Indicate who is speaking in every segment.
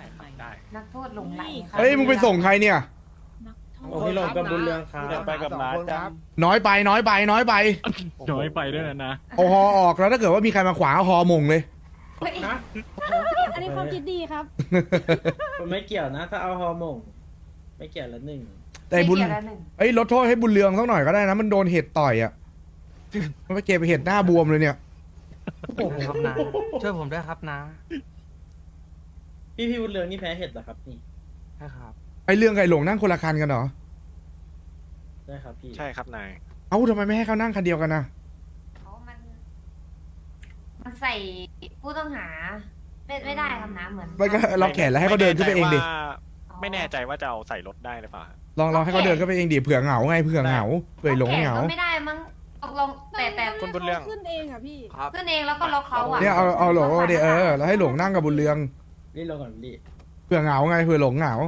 Speaker 1: ครับได้
Speaker 2: นักโทษหลงไหลค่ะ
Speaker 3: เฮ้ยมึงไปส่งใครเนี่ย
Speaker 4: โอ้พี่หลงกับบุญเรืองครับ
Speaker 5: ไปกับน้าจ้า
Speaker 3: น้อยไปน้อยไปน้อยไป
Speaker 1: น้อยไปด้วยนะ
Speaker 3: เอาฮอออกแล้วถ้าเกิดว่ามีใครมาขวางเอาฮอมงเลย
Speaker 2: เฮ้ย
Speaker 4: นะ
Speaker 6: อันนี้ความคิดดีครับ
Speaker 4: ผมไม่เกี่ยวนะ ถ้าเอาฮอร์โมนไม่เกี่ยวละหนึ่ง
Speaker 3: แต่บุญ
Speaker 2: ไม่เกี่ยวแล้วหนึ่ง
Speaker 3: เอ้ยลดโทษให้บุญเรืองสักหน่อยก็ได้นะมันโดนเห็ดต่อยอ่ะมันไปเก็บไปเห็ดหน้าบวมเลยเนี่ย
Speaker 5: ครับนะช่วยผมด้วยครับนะ
Speaker 4: พี่บุญเรืองนี่แพ้เห็ดเหรอครับนี่
Speaker 5: ใช่ครับ
Speaker 3: ไอ้เรื่องไก่หลงนั่งคนละคันกันเหรอ
Speaker 4: ได้ครับพี่
Speaker 1: ใช่ครับนาย
Speaker 3: เอ้าทำไมไม่ให้เขานั่งคันเดียวกันนะ
Speaker 2: เพราะมันใส่ผู้ต้องหาไม่ได้ครับนะเหมือน
Speaker 3: ไม่ก็ล็อกแขนแล้วให้เขาเดินขึ้นไปเองดิ
Speaker 1: ไม่แน่ใจว่าจะเอาใส่รถได้หรือเปล่า
Speaker 3: ลองให้เขาเดินขึ้นไปเองดิเผื่อเหงาไงเผื่อเหงาเผื่อหลงเหงา
Speaker 2: ก็ไม่ได้มั้งตกลงแต่
Speaker 1: คุณบุญเรือง
Speaker 6: ขึ้นเองอ่ะพี่
Speaker 5: ครับ
Speaker 2: ขึ้นเองแล้วก็ล็อกเขาอ่ะ
Speaker 3: เนี่ยเอาหลงเดี๋ยวแล้วให้หลงนั่งกับบุญเรือง
Speaker 4: รีบลงก่อนรีบ
Speaker 3: เผื่อเหงาไงเผื่อหลงเหงา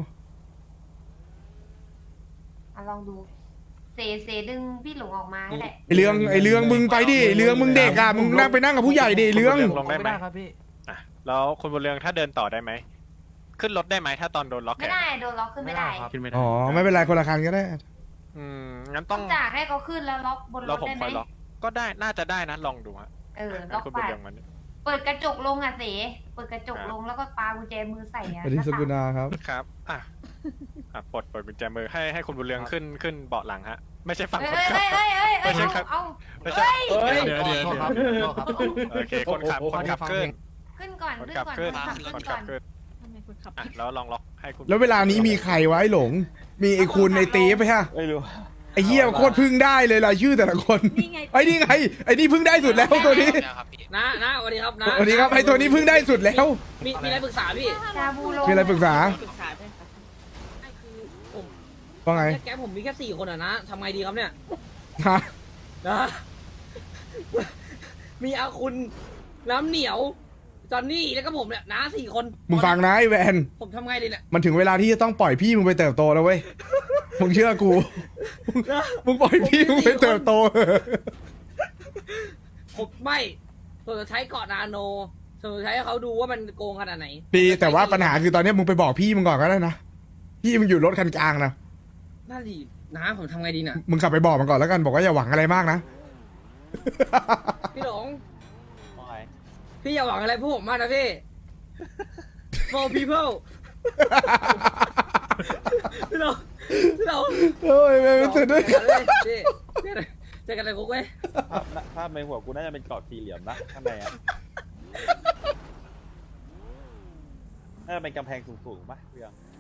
Speaker 2: อ่ะลองดูเซดึงพี่หลงออกมาให้แหละ
Speaker 3: ไอเรื่องมึงไปดิไอ้เรื่องมึงเด็กอ่ะมึงนั่งไปนั่งกับผู้ใหญ่ดิไอ้เรื่อง
Speaker 1: ลงได้ไหม
Speaker 5: ครับพี่
Speaker 1: อ่ะแล้วคุณบุญเรืองถ้าเดินต่อได้ไหมขึ้นรถได้ไหมถ้าตอนโดนล็อกแข
Speaker 2: ไม่
Speaker 1: น
Speaker 2: ได้โดนล็อกขึ้นไม่ได้
Speaker 5: ครับ
Speaker 1: ขึ้นไม่ได้
Speaker 3: อ๋อไม่เป็นไรคนละคันก็ได้
Speaker 1: งั้น
Speaker 2: ต้
Speaker 1: ต้
Speaker 2: อ
Speaker 1: อง ง
Speaker 2: จากให้เขาขึ้นแล้วล็อกบนร
Speaker 1: เรา
Speaker 2: ถ
Speaker 1: ผม
Speaker 2: ได้ไห
Speaker 1: ค
Speaker 2: ม
Speaker 1: อยล็อกก็ได้น่าจะได้นะลองดูฮะ
Speaker 2: ล็อก
Speaker 1: คุณบุ
Speaker 2: ปา
Speaker 1: ญ
Speaker 2: ด
Speaker 1: เรืองมัน
Speaker 2: เปิดกระจกลงอ่ะเสเปิดกระจกลงแล้วก็ปากุญแจมือใส่อ่ะ
Speaker 3: สวัสดีสุกุณาครับ
Speaker 1: ครับปลดกุญแจมือให้คุณบุญเรืองขึ้นเบาะหลังฮะไม่ใช่ฝั่งคนขับ
Speaker 2: เอ้ย
Speaker 1: ไม่ใช่ครับ
Speaker 2: เอา
Speaker 1: ไม่ใช่
Speaker 4: เฮ้ย
Speaker 1: เดี๋ยว
Speaker 5: โทษครับโทษครับ
Speaker 1: โอเคคนขับขึ้น
Speaker 2: ขึ้นก่อน
Speaker 1: คน
Speaker 2: ขึ้น
Speaker 1: ขับ
Speaker 2: ก่อน
Speaker 1: ขึ้น
Speaker 2: ขึ้น
Speaker 1: คน
Speaker 2: ก่
Speaker 1: ขั
Speaker 2: อบ น
Speaker 1: ขึ้น
Speaker 6: ทำไมคนขับ
Speaker 1: แล้วลองล็อกให้คุณ
Speaker 3: แล้วเวลานี้มีใครวะไอ้หลง มีไอ้คุณไอ้ตีไปฮะ
Speaker 5: ไม่รู้
Speaker 3: ไอ้เหี้ยโคตรพึ่งได้เลยรายชื่อแต่ละคน
Speaker 6: นี่ไง
Speaker 3: ไอ้นี่ไงไอ้นี่พึ่งได้สุดแล้วตัวนี้
Speaker 7: นะสวัสดีครับนะ
Speaker 3: สวัสดีครับไอ้ตัวนี้พึ่งได้สุดแล้ว
Speaker 7: มีอะไรปรึกษาพี่
Speaker 2: ชาบูโล
Speaker 3: มีอะไรปรึกษา
Speaker 7: ปรึกษาใช่ครับไม่คือผม
Speaker 3: ว่าไง
Speaker 7: แก๊งผมมีแค่4 คนอะนะทำไงดีครับเนี่ย
Speaker 3: ฮะ
Speaker 7: นะ มีอาคุณน้ำเหนียวจอนนี่แล้วก็ผมเนี่ยนะ4 คน
Speaker 3: มึงฟังนะไอ้แวน
Speaker 7: ผมทำไงดีเนี่ย
Speaker 3: มันถึงเวลาที่จะต้องปล่อยพี่มึงไปเติบโตแล้วเว้ยมึงเชื่อกู
Speaker 7: นะ
Speaker 3: มึงปล่อยพี่มึงไปเติบโต
Speaker 7: ผมไม่ผมจะใช้เกาะนาโนผมจะใช้ให้เขาดูว่ามันโกงขนาดไหน
Speaker 3: ดีแต่ว่าปัญหาคือตอนนี้มึงไปบอกพี่มึงก่อนก็ได้นะพี่มึงอยู่รถคันกลางนะ
Speaker 7: น่าดีนะผมทำไงดีเนี่ย
Speaker 3: มึงขับไปบอกมันก่อนแล้วกันบอกว่าอย่าหวังอะไรมากนะ
Speaker 7: พี่หลงพี่อย่าหวังอะไรพวกผมมากนะพี่ for people พี่หลงพี่หลง
Speaker 3: โอ้ยไม่เสร็จด้วย
Speaker 7: เจอกันเลยคุกเว้ย
Speaker 5: ภาพในหัวกูน่าจะเป็นกรอบสี่เหลี่ยมนะข้างในอ่ะน่าจะเป็นกำแพงสูงๆป่ะเรื่อง